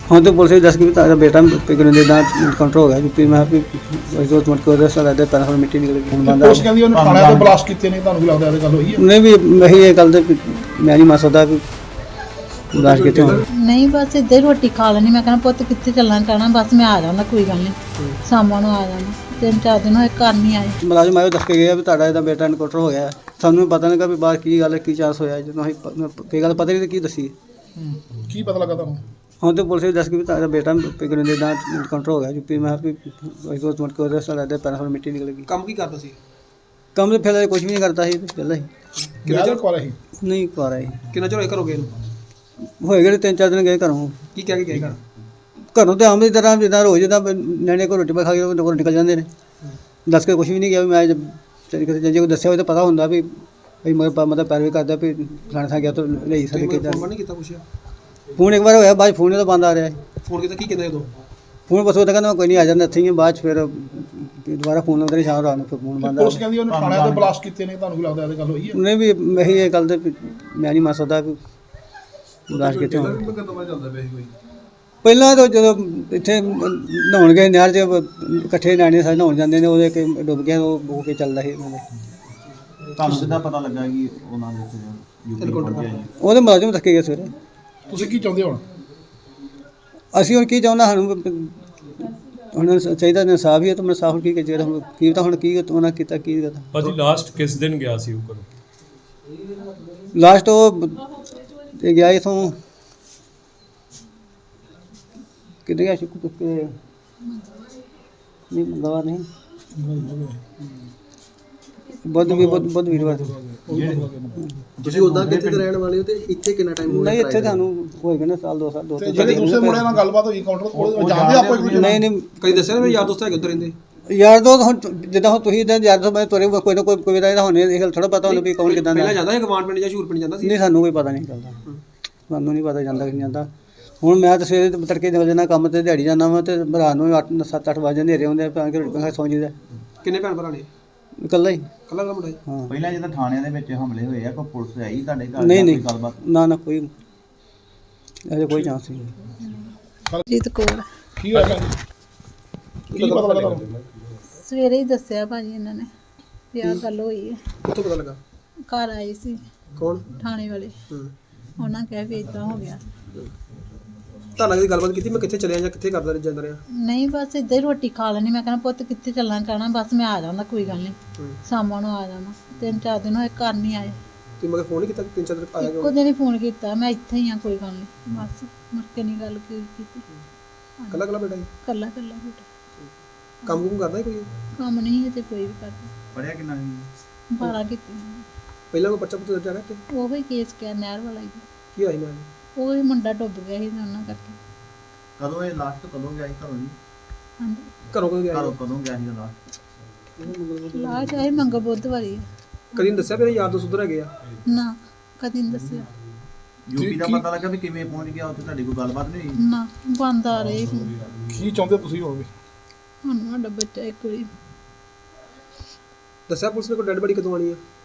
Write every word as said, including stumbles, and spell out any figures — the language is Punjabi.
ਹੁਣ ਤੇ ਪੁਲਿਸ ਵੀ ਦੱਸ ਗਈ ਵੀ ਤੁਹਾਡਾ ਬੇਟਾ ਪਿਗਨ ਦੇ ਦਾ ਕਾਊਂਟਰ ਹੋ ਗਿਆ ਯੂਪੀ ਮੈਂ ਵੀ ਉਹ ਤੋਂ ਮਟ ਕੇ ਉਹਦੇ ਸਾਲ ਦੇ ਪੈਰਾਂ ਮਿੱਟੀ ਨਿਕਲ ਗਈ ਹੁਣ ਬੰਦਾ ਪੁਲਿਸ ਕਹਿੰਦੀ ਉਹਨੇ ਥਾਣੇ ਤੋਂ ਬਲਾਸਟ ਕੀਤੇ ਨੇ, ਤੁਹਾਨੂੰ ਕੀ ਲੱਗਦਾ ਇਹ ਗੱਲ ਹੋਈ ਹੈ? ਨਹੀਂ ਵੀ ਮੈਂ ਇਹ ਗੱਲ ਤੇ ਮੈਂ ਨਹੀਂ ਮੰਨ ਸਕਦਾ ਵੀ ਬਲਾਸਟ ਕਿਤੇ ਹੋਣ। ਨਹੀਂ ਬਸ ਇੱਦਾਂ ਹੀ ਰੋਟੀ ਖਾ ਲੈਣੀ। ਮੈਂ ਕਹਿੰਦਾ ਪੁੱਤ ਕਿੱਥੇ ਚੱਲਣਾ, ਕਹਿਣਾ ਬਸ ਮੈਂ ਆ ਜਾਣਾ, ਕੋਈ ਗੱਲ ਨਹੀਂ ਸ਼ਾਮਾਂ ਨੂੰ ਆ ਜਾਣਾ। ਤਿੰਨ ਚਾਰ ਦਿਨ ਹੋਏ ਘਰ ਨਹੀਂ ਆਏ। ਮੁਲਾਜ਼ਮ ਆਇਓ ਦੱਸ ਕੇ ਗਿਆ ਵੀ ਤੁਹਾਡਾ ਇਹਦਾ ਬੇਟਾ ਇਨਕਾਊਂਟਰ ਹੋ ਗਿਆ। ਸਾਨੂੰ ਵੀ ਪਤਾ ਨਹੀਂ ਕਿ ਵੀ ਬਾਹਰ ਕੀ ਗੱਲ ਕੀ ਚਾਂਸ ਹੋਇਆ, ਜਦੋਂ ਅਸੀਂ ਕੀ ਗੱਲ ਪਤਾ ਨਹੀਂ ਕੀ ਦੱਸੀ। ਕੀ ਪਤਾ ਲੱਗਾ ਤੁਹਾਨੂੰ? ਹੁਣ ਤੇ ਪੁਲਿਸ ਵੀ ਦੱਸ ਗਈ ਵੀ ਤੁਹਾਡਾ ਬੇਟਾ ਪਿਗਨ ਦੇ ਦਾ ਇਨਕਾਊਂਟਰ ਹੋ ਗਿਆ ਯੂਪੀ ਮੈਂ ਵੀ ਉਹ ਤੋਂ ਮਟ ਕੇ ਉਹਦੇ ਸਾਲ ਦੇ ਪੈਰਾਂ ਮਿੱਟੀ ਨਿਕਲ ਗਈ। ਕੰਮ ਕੀ ਕਰਦਾ ਸੀ? ਕੰਮ ਤੇ ਫਿਰ ਕੁਝ ਵੀ ਨਹੀਂ ਕਰਦਾ ਸੀ ਪਹਿਲਾਂ ਹੀ। ਕਿੰਨਾ ਚਿਰ ਕੋਲ ਰਹੀ? ਨਹੀਂ ਕਰ ਆਈ ਕਿੰਨਾ ਚਿਰ ਹੋਇਆ ਘਰੋਂ ਗਏ ਨੂੰ? ਹੋਏ ਗਏ ਤਿੰਨ ਚਾਰ ਦਿਨ ਗਏ ਘਰੋਂ। ਕੀ ਕਹਿ ਕੇ ਗਏ ਘਰ? ਘਰੋਂ ਤੇ ਆਮ ਦੀ ਤਰ੍ਹਾਂ ਜਿੱਦਾਂ ਰੋਜ਼ ਜਿੱਦਾਂ ਨਿਆਣੇ ਕੋਲ ਰੋਟੀ ਪਾ ਖਾ ਕੇ ਉਹ ਘਰੋਂ ਨਿਕਲ ਜਾਂਦੇ ਨੇ। ਦੱਸ ਕੇ ਕੁਝ ਵੀ ਨਹੀਂ ਗਿਆ ਵੀ ਮੈਂ ਚਲੀ ਕਿਤੇ ਜੇ ਕੋਈ ਦੱਸਿਆ ਹੋਵੇ ਤਾਂ ਪਤਾ ਹੁੰਦਾ ਵੀ ਵੀ ਮਗਰ ਮਤਲਬ ਪੈਰਵੀ ਕਰਦਾ ਵੀ ਫਲਾਣੇ ਥਾਂ ਗਿਆ ਤਾਂ ਲਈ ਸਕਦੇ ਕਿ ਫੋਨ ਨਹੀਂ ਕੀਤਾ ਪੁੱਛਿਆ? ਫੋਨ ਇੱਕ ਵਾਰ ਹੋਇਆ, ਬਾਅਦ ਫੋਨ ਤਾਂ ਬੰਦ ਆ ਰਿਹਾ ਹੈ। ਫੋਨ ਕੀਤਾ ਕੀ ਕਹਿੰਦਾ ਉਦੋਂ? ਫੋਨ ਬਸ ਉਹ ਤਾਂ ਕਹਿੰਦਾ ਮੈਂ ਕੋਈ ਨਹੀਂ ਆ ਜਾਂਦਾ ਇੱਥੇ ਹੀ ਹਾਂ। ਬਾਅਦ 'ਚ ਫਿਰ ਦੁਬਾਰਾ ਫੋਨ ਲਾਉਂਦੇ ਨੇ ਸ਼ਾਮ ਰਾਤ ਨੂੰ, ਫਿਰ ਫੋਨ ਬੰਦ ਆ ਪੁਲਿਸ ਕਹਿੰਦੀ ਉਹਨੇ ਥਾਣੇ ਤੋਂ ਬਲਾਸਟ ਕੀਤੇ ਨੇ, ਤੁਹਾਨੂੰ ਕੀ ਲੱਗਦਾ ਇਹ ਗੱਲ ਹੋਈ ਹੈ? ਉਹਨੇ ਵੀ ਮੈਂ ਇਹ ਗੱਲ ਤੇ ਮੈਂ ਨਹੀਂ ਮੰਨ ਸਕਦਾ ਵੀ ਬਲਾਸਟ ਕਿਤੇ ਹੋਣ। ਪਹਿਲਾਂ ਤਾਂ ਜਦੋਂ ਇੱਥੇ ਨਹਾਉਣ ਗਏ ਨਹਿਰ 'ਚ ਇਕੱਠੇ ਨਿਆਣੇ ਸਾਰੇ ਨਹਾਉਣ ਜਾਂਦੇ ਨੇ, ਉਹਦੇ ਕਿ ਡੁੱਬ ਗਿਆ ਉਹ ਹੋ ਕੇ ਚੱਲਦਾ ਸੀ ਉਹਨਾਂ ਦੇ। ਤੁਹਾਨੂੰ ਸਿੱਧਾ ਪਤਾ ਲੱਗਾ ਕਿ ਉਹਨਾਂ ਦੇ ਯੂਪੀ ਪਹੁੰਚਿਆ ਜੀ? ਉਹਦੇ ਮੁਲਾਜ਼ਮ ਥੱਕੇ ਗਏ ਸਵੇਰੇ। ਤੁਸੀਂ ਕੀ ਚਾਹੁੰਦੇ ਹੋ ਹੁਣ? ਅਸੀਂ ਹੁਣ ਕੀ ਚਾਹੁੰਦਾ, ਸਾਨੂੰ ਹੁਣ ਚਾਹੀਦਾ ਇਨਸਾਫ ਹੀ ਹੈ। ਤਾਂ ਮੈਂ ਸਾਫ ਕੀ ਜਿਹੜਾ ਹੁਣ ਕੀ ਤਾਂ ਹੁਣ ਕੀ ਉਹਨਾਂ ਕੀਤਾ ਕੀ ਕੀਤਾ। ਭਾਜੀ ਲਾਸਟ ਕਿਸ ਦਿਨ ਗਿਆ ਸੀ ਉਹ ਘਰੋਂ? ਲਾਸਟ ਉਹ ਤੇ ਗਿਆ ਇਥੋਂ ਕਿੱਥੇ ਗਿਆ ਸ਼ੁਕਰ ਤੁੱਕੇ ਨਹੀਂ ਮੰਗਵਾ ਨਹੀਂ ਬੁੱਧ ਵੀ ਬੁੱਧ ਬੁੱਧ ਵੀਰਵਾਰ। ਤੁਸੀਂ ਉਦਾਂ ਕਿੱਥੇ ਦੇ ਰਹਿਣ ਵਾਲੇ ਹੋ ਤੇ ਇੱਥੇ ਕਿੰਨਾ ਟਾਈਮ ਹੋ ਗਿਆ? ਨਹੀਂ ਇੱਥੇ ਤੁਹਾਨੂੰ ਹੋਏਗਾ ਨਾ ਸਾਲ ਦੋ ਸਾਲ ਦੋ ਤੇ ਤਿੰਨ ਜਿਹੜੇ ਦੂਸਰੇ ਮੁੰਡੇ ਨਾਲ ਗੱਲਬਾਤ ਹੋਈ ਕਾਊਂਟਰ ਕੋਲ, ਜਾਣਦੇ ਆਪੋ ਇੱਕ ਦੂਜੇ ਨੂੰ? ਨਹੀਂ ਨਹੀਂ ਕਈ ਦੱਸਿਆ ਨਾ ਮੇਰੇ ਯਾਰ ਦੋਸਤ ਹੈਗੇ ਉੱਧਰ ਰਹਿੰਦੇ। ਯਾਰ ਦੋ ਹੁਣ ਜਿੱਦਾਂ ਹੁਣ ਤੁਸੀਂ ਇਦਾਂ ਯਾਰ ਦੋ ਮੈਂ ਤੁਰੇ ਕੋਈ ਨਾ ਕੋਈ ਕੋਈ ਦਾ ਹੋਣੇ ਇਹ ਗੱਲ ਥੋੜਾ ਪਤਾ ਹੁੰਦਾ ਵੀ ਕੌਣ ਕਿਦਾਂ ਦਾ। ਪਹਿਲਾਂ ਜਾਂਦਾ ਸੀ ਗਵਾਂਡ ਪਿੰਡ ਜਾਂ ਸ਼ੂਰ ਪਿੰਡ ਜਾਂਦਾ ਸੀ? ਨਹੀਂ ਸਾਨੂੰ ਕੋਈ ਪਤਾ ਨਹੀਂ ਚੱਲਦਾ, ਸਾਨੂੰ ਨਹੀਂ ਪਤਾ ਜਾਂਦਾ ਕਿ ਨਹੀਂ ਜਾਂਦਾ। ਹੁਣ ਮੈਂ ਤਾਂ ਸਵੇਰੇ ਤੜਕੇ ਨਿਕਲ ਜਾਂਦਾ ਕੰਮ ਤੇ, ਦਿਹਾੜੀ ਜਾਂਦਾ ਵਾ ਤੇ ਰਾਤ ਨੂੰ ਅੱਠ ਸੱਤ ਅੱਠ ਵਜੇ ਹਨੇਰੇ ਹੁੰਦੇ ਆ, ਕੇ ਰੋਟੀ ਖਾ ਸੌਂ ਜੀਦਾ। ਕਿੰਨੇ ਭੈਣ ਭਰਾ ਨੇ? ਇਕੱਲਾ ਹੀ। ਕੱਲਾ ਕੱਲਾ ਮੁੰਡਾ ਸੀ? ਹਾਂ ਪਹਿਲਾਂ ਜਦੋਂ ਥਾਣਿਆਂ ਦੇ ਵਿੱਚ ਹਮਲੇ ਹੋਏ ਆ ਕੋਈ ਪੁਲਿਸ ਆਈ ਤੁਹਾਡੇ ਘਰ? ਨਹੀਂ ਜਾਂ ਨਹੀਂ ਕੋਈ ਗੱਲਬਾਤ? ਨਾ ਨਾ ਕੋਈ ਅਜੇ ਕੋਈ ਚਾਂਸ ਨਹੀਂ। ਜੀਤ ਕੋਲ ਕੀ ਹੋਇਆ ਭੈਣ ਜੀ? ਕੀ ਪਤਾ ਲੱਗਾ ਤੁਹਾਨੂੰ? ਸਵੇਰੇ ਹੀ ਦੱਸਿਆ ਭਾਜੀ ਇਹਨਾਂ ਨੇ ਵੀ ਆਹ ਗੱਲ ਹੋਈ ਹੈ। ਕਿੱਥੋਂ ਪਤਾ ਲੱਗਾ? ਘਰ ਆਏ ਸੀ ਕੌਣ? ਥਾਣੇ ਵਾਲੇ, ਹੂੰ। ਉਹਨਾਂ ਕਿਹਾ ਵੀ ਇਦਾਂ ਹੋ ਗਿਆ। ਤੁਹਾਨੂੰ ਕਦੀ ਗੱਲਬਾਤ ਕੀਤੀ ਮੈਂ ਕਿੱਥੇ ਚਲਿਆ ਜਾਂ ਕਿੱਥੇ ਕਰਦਾ ਜਾਂਦਾ ਰਿਹਾ? ਨਹੀਂ ਬਸ ਇੱਦਾਂ ਹੀ ਰੋਟੀ ਖਾ ਲੈਣੀ। ਮੈਂ ਕਹਿੰਦਾ ਪੁੱਤ ਕਿੱਥੇ ਚੱਲਣਾ, ਕਹਿਣਾ ਬਸ ਮੈਂ ਆ ਜਾਣਾ, ਕੋਈ ਗੱਲ ਨਹੀਂ ਸ਼ਾਮਾਂ ਨੂੰ ਆ ਜਾਣਾ। ਤਿੰਨ ਚਾਰ ਦਿਨ ਹੋਏ ਘਰ ਨਹੀਂ ਆਏ। ਤੁਸੀਂ ਮਗਰ ਫੋਨ ਨਹੀਂ ਕੀਤਾ? ਤਿੰਨ ਚਾਰ ਦਿਨ ਆਇਆ ਇੱਕੋ ਕਿਉਂ? ਦਿਨ ਹੀ ਫੋਨ ਕੀਤਾ, ਮੈਂ ਇੱਥੇ ਹੀ ਆ, ਕੋਈ ਗੱਲ ਨਹੀਂ ਬਸ। ਮੁੜ ਕੇ ਨਹੀਂ ਗੱਲ ਕੀ- ਕੀਤੀ। ਕੱਲਾ ਕੱਲਾ ਬੇਟਾ ਸੀ? ਕੱਲਾ ਕੱਲਾ ਬੇਟਾ, ਕੰਮ ਕੁਮ ਕਰਦਾ ਸੀ ਕੋਈ? ਕੰਮ ਨਹੀਂ ਹੈ ਤੇ ਕੋਈ ਵੀ ਕਰਦਾ। ਪੜਿਆ ਕਿੰਨਾ ਸੀ? ਬਾਰਾਂ ਕੀਤੀ ਪਹਿਲਾਂ ਕੋਈ ਬੱਚਾ ਪੁੱਤ ਦਰਜਾ ਰਿਹਾ ਤੇ ਉਹ ਹੀ ਕੇਸ ਕਿਆ ਨਹਿਰ ਵਾਲਾ ਹੀ। ਕੀ ਆਈ ਮੈਂ? ਉਹ ਹੀ ਮੁੰਡਾ ਡੁੱਬ ਗਿਆ ਸੀ ਤੇ ਉਹਨਾਂ ਕਰਕੇ। ਕਦੋਂ ਇਹ ਲਾਸਟ ਕਦੋਂ ਗਿਆ ਸੀ ਘਰੋਂ ਜੀ? ਹਾਂਜੀ ਘਰੋਂ ਕਦੋਂ ਗਿਆ? ਘਰੋਂ ਕਦੋਂ ਗਿਆ ਸੀ ਲਾਸਟ? ਲਾ ਚਾਹੇ ਮੰਗਾ ਬੁੱਧਵਾਰੀ ਹੈ। ਕਦੀ ਨਹੀਂ ਦੱਸਿਆ ਮੇਰੇ ਯਾਰ ਦੋਸਤ ਉੱਧਰ ਹੈਗੇ ਆ? ਨਾ ਕਦੀ ਨਹੀਂ ਦੱਸਿਆ। ਯੂਪੀ ਦਾ ਪਤਾ ਲੱਗਾ ਵੀ ਕਿਵੇਂ ਪਹੁੰਚ ਗਿਆ ਉੱਥੇ? ਤੁਹਾਡੀ ਕੋਈ ਗੱਲਬਾਤ ਨਹੀਂ ਹੋਈ? ਨਾ ਬੰਦ ਆ ਰਹੇ ਫੋਨ। ਕੀ ਚਾਹੁੰਦੇ ਤੁਸੀਂ ਹੋਵੇ? ਹੁਣ ਸਾਡਾ ਬੱਚਾ ਇੱਕ ਵਾਰੀ ਦੱਸਿਆ ਪੁਲਿਸ ਨੇ ਕੋਈ ਡੈਡ ਬੜੀ ਕਦੋਂ ਆਣੀ ਆ?